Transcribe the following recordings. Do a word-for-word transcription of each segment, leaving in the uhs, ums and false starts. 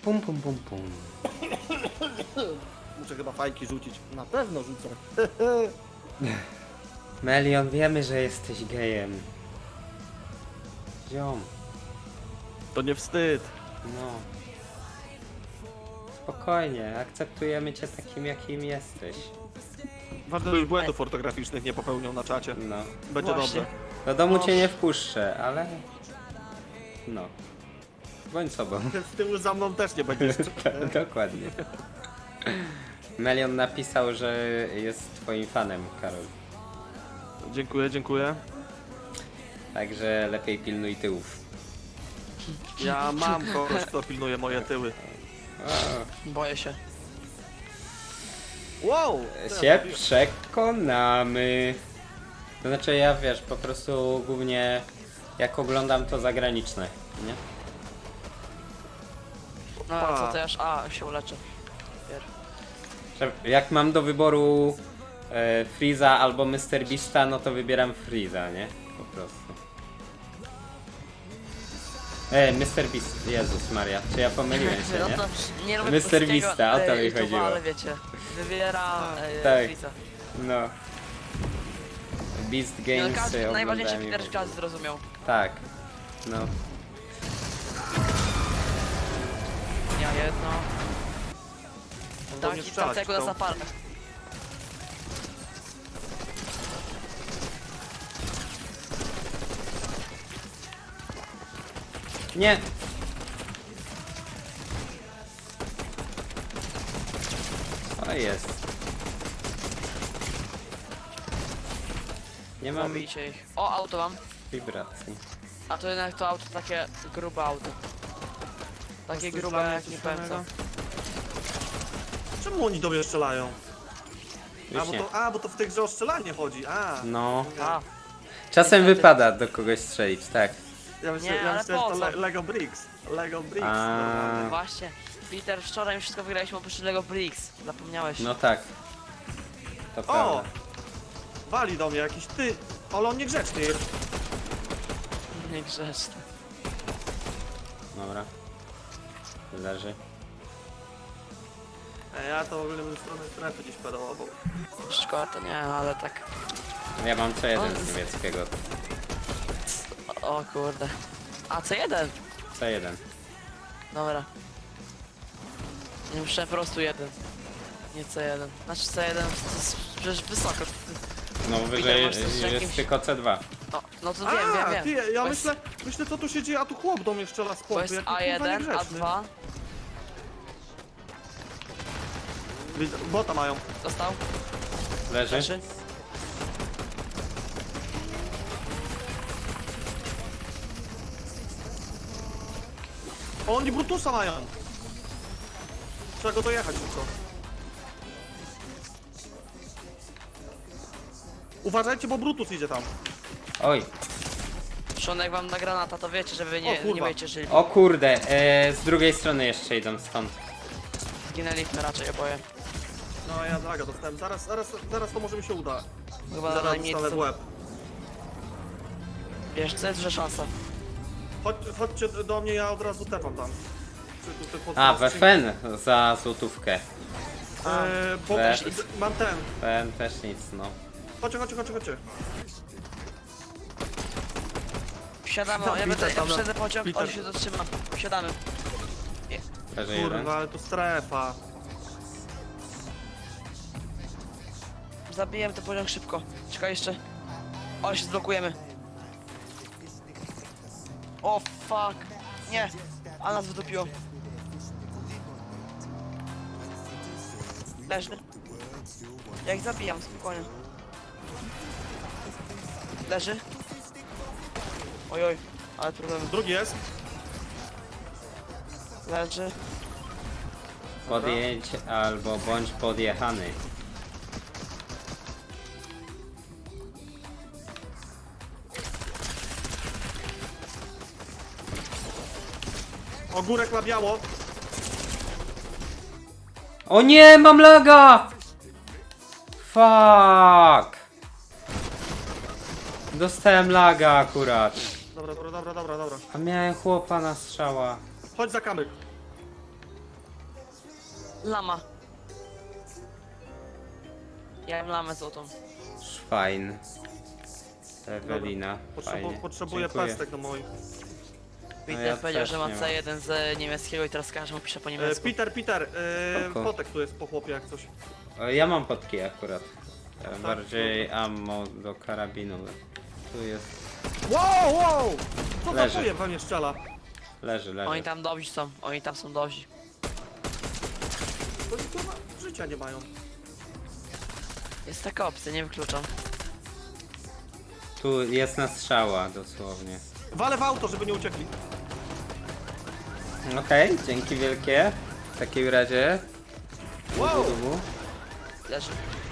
Pum, pum, pum, pum. Muszę chyba fajki rzucić. Na pewno rzucę. Melion, wiemy, że jesteś gejem. Ziom, To nie wstyd. no. Spokojnie, akceptujemy cię takim, jakim jesteś. Ważne, że już błędów ortograficznych nie popełnią na czacie. No. Będzie Właśnie. dobrze. Do domu cię nie wpuszczę, ale... No. Bądź sobą. Z tyłu za mną też nie będziesz. Dokładnie. Melion napisał, że jest twoim fanem, Karol. Dziękuję, dziękuję. Także lepiej pilnuj tyłów. Ja mam kogoś, kto pilnuje moje tyły. Boję się. Wow! co Się ja zrobiłem? przekonamy. To znaczy ja, wiesz, po prostu głównie jak oglądam to zagraniczne, nie? No Pa. co to ja aż... A, się uleczę. Pier. Że jak mam do wyboru e, Freeza albo mister Beasta, no to wybieram Freeza, nie? Po prostu. E, mister Beast, Jezus Maria, czy ja pomyliłem się, No nie? to nie lubię mister polskiego, Beasta, o to e, mi YouTube'a, chodziło. ale wiecie, wybiera e, Tak. Freeza. No. Beast No, Games każdy, najważniejszy oglądałem i Peter w ogóle. każdy zrozumiał. Tak. No. Ja jedno. Do mnie Taki strzelać takiego na chcą. zapale. Nie! O jest. Nie mam Zabijcie ich. O, auto mam. wibracji. A to jednak to auto takie grube auto. Takie Coś grube dla mnie, jak coś nie powiem co. fajnego? Czemu oni do mnie strzelają? A Już bo, nie. to, a, bo to w tej grze o strzelanie chodzi. A. No. A, Czasem Niestety. wypada do kogoś strzelić, tak. Ja myślę, Nie, ja ale myślę że po to co? Le Lego Bricks. Lego Bricks. A. normalnie. właśnie. Peter, wczoraj wszystko wygraliśmy oprócz Lego Bricks. Zapomniałeś. No tak. To O! prawda. Wali do mnie jakiś ty. Ale on niegrzeczny jest. Niegrzeczny. Dobra. Leży. E, Ja to w ogóle bym w stronę strefy gdzieś pedałował. Szkoda to nie, ale tak. Ja mam co jeden On z z- niemieckiego. O, o kurde. A C jeden. Co jeden. Dobra. Nie muszę po prostu jeden. Nie C jeden. Znaczy C jeden to jest przecież wysoko. No wyżej masz coś z jest jakimś- tylko C dwa. No, no to wiem, A, wiem, ty, wiem. ja Bo myślę, myślę co tu się dzieje, a tu chłop do mnie strzela z Bo pompy. jest jaki A kurwa jeden, A niegrzeczny. dwa. Widzę- Bota mają. Dostał. Leży? Leży. O, oni Brutusa mają. Trzeba go dojechać tylko. Uważajcie, bo Brutus idzie tam. Oj. Szonek wam na granata, to wiecie, że wy O, nie, kurwa. nie będziecie żyli. O kurde, e, z drugiej strony jeszcze idą stąd. Zginęliśmy raczej oboje. No ja zaga dostałem. Zaraz, zaraz, zaraz to może mi się uda. Chyba Zaraz najmniej dostanę w co. łeb. Wiesz, co jest duża szansa. Chodź, chodźcie do mnie, ja od razu tepam tam. Czy tu- tu pod- A, pod we skrzynką. Fen za złotówkę. Eee, bo We- mam ten. Fen też nic, no. Chodźcie, chodźcie, chodźcie, chodźcie. Wsiadamy, Tam ja będę, Peter, ja tam na- wsiadę pociąg, Peter. on się zatrzyma. Wsiadamy. Leży jeden. Kurwa, ale to strefa. Zabijemy ten pociąg szybko. Czekaj jeszcze. Ale się zblokujemy. O fuck. Nie. A nas wydupiło. Leży. Jak zabijam, spokojnie. Leży. Ojoj, ale problemy. Drugi jest. Leży. Podjedź albo bądź podjechany. Ogórek na biało. O nie, mam laga! Fuck! Dostałem laga akurat. Dobra, dobra, dobra, dobra, dobra. A miałem chłopa na strzała. Chodź za kamyk. Lama. Ja mam lamę złotą. Szwajn. Ewelina, Potrzebu fajnie. potrzebuję Dziękuję. pestek do moich. Peter ja powiedział, też że ma nie mam. C jeden z niemieckiego i teraz każdy mu pisze po E, niemiecku. Peter, Peter, e, Spoko. potek tu jest po chłopie jak coś. O, ja mam potki akurat. E, Bardziej ammo do karabinu. Tu jest. Wow, wow! Co za Leży. chujem we mnie strzela? Leży, leży. Oni tam dobrzy są, oni tam są dobrzy. Oni kurwa życia nie mają. Jest taka opcja, nie wykluczam. Tu jest na strzała dosłownie. Walę w auto, żeby nie uciekli. Okej, dzięki wielkie. W takim razie. Wow! Dubu. Leży.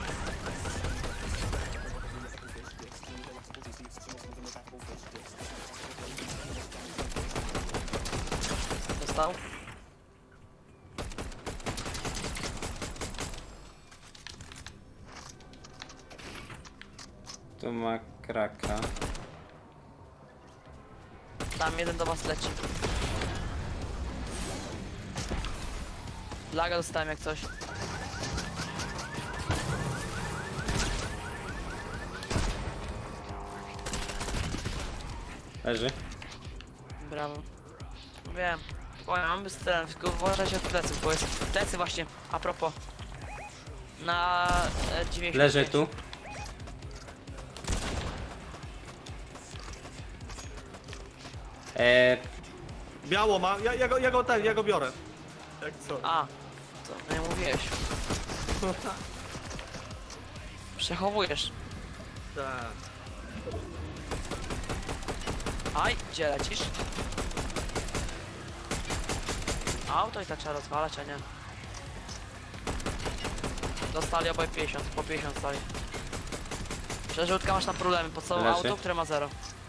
Dostał? Tu ma kraka. Tam jeden do was leci. Laga dostałem jak coś. Leży. Brawo. Wiem. Powiem, mamy stronę, tylko uważajcie od pleców, bo jest plecy właśnie, a propos. Na e, dziewięćdziesiąt Leży pięć. tu. E, Biało ma, ja, ja, go, ja go ten, ja go biorę. Jak co? A, co nie mówiłeś. Przechowujesz. Tak. Aj, gdzie lecisz? Auto i tak trzeba rozwalać, a nie. Dostali obaj pięćdziesiąt, po pięćdziesiąt stali. Przerzutka masz na problemy, po całe Leży. auto, które ma zero.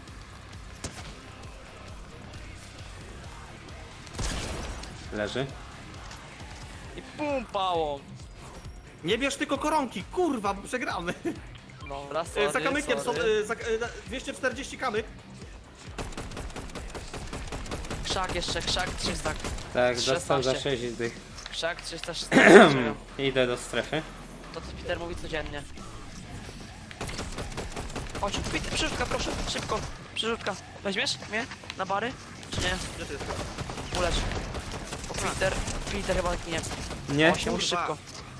leży. I pum, pałą. Nie bierz tylko koronki, kurwa, bo przegramy. Dobra, E, sorry, za kamykiem są, sorry. e, za, e, dwieście czterdzieści kamyk. Krzak jeszcze, krzak trzysta. Tak, dostał za szesnaście. sześć dych. Krzak trzysta szesnaście. Idę do strefy. To co Peter mówi codziennie. Chodź, Peter, przerzutka, proszę, szybko. Przerzutka. Weźmiesz mnie na bary? Czy nie? Gdzie ty jesteś? Ulecz. O, Peter, Peter chyba ginie. Nie? Osiem, już szybko.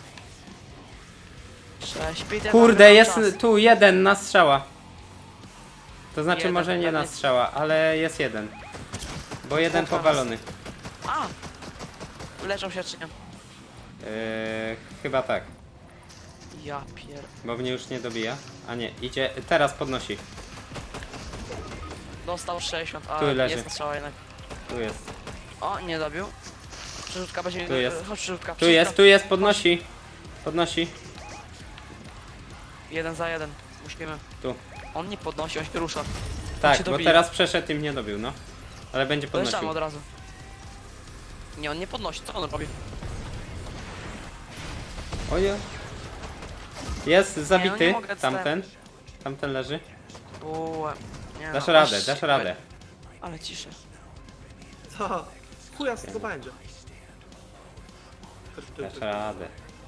Sześć, Peter. Kurde, mamy jest czas. tu jeden na strzała. To znaczy Jeden, może nie na pewnie. strzała, ale jest jeden. Bo jeden Dwóch na powalony. A! Leczą się czy nie? Yy, chyba tak, Ja pier... bo mnie już nie dobija. A nie, idzie, teraz podnosi. Dostał sześćdziesiąt, Tu ale leży. jest strzała jednak. Tu jest, O, nie dobił. Przerzutka będzie... Tu jest. Chodź, przerzutka. tu jest, tu jest, podnosi. Podnosi, Jeden za jeden. Musimy. tu. On nie podnosi, on się rusza. Tak, się bo dobija. teraz przeszedł i mnie dobił, no. Ale będzie Podeszamy podnosił. od razu. Nie, on nie podnosi, co on robi? Oje. Jest zabity, mogę tamten. Tamten leży. Uuu, nie Dasz no, radę, oś- dasz radę. Ale ciszę. Co? Chuja z tego będzie. Dasz radę.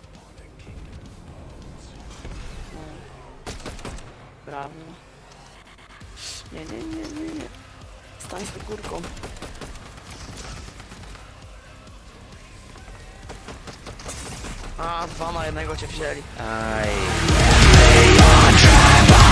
Brawo. Nie, nie, nie, nie, nie. Stań z górką. A, dwa na jednego cię wzięli. Aj.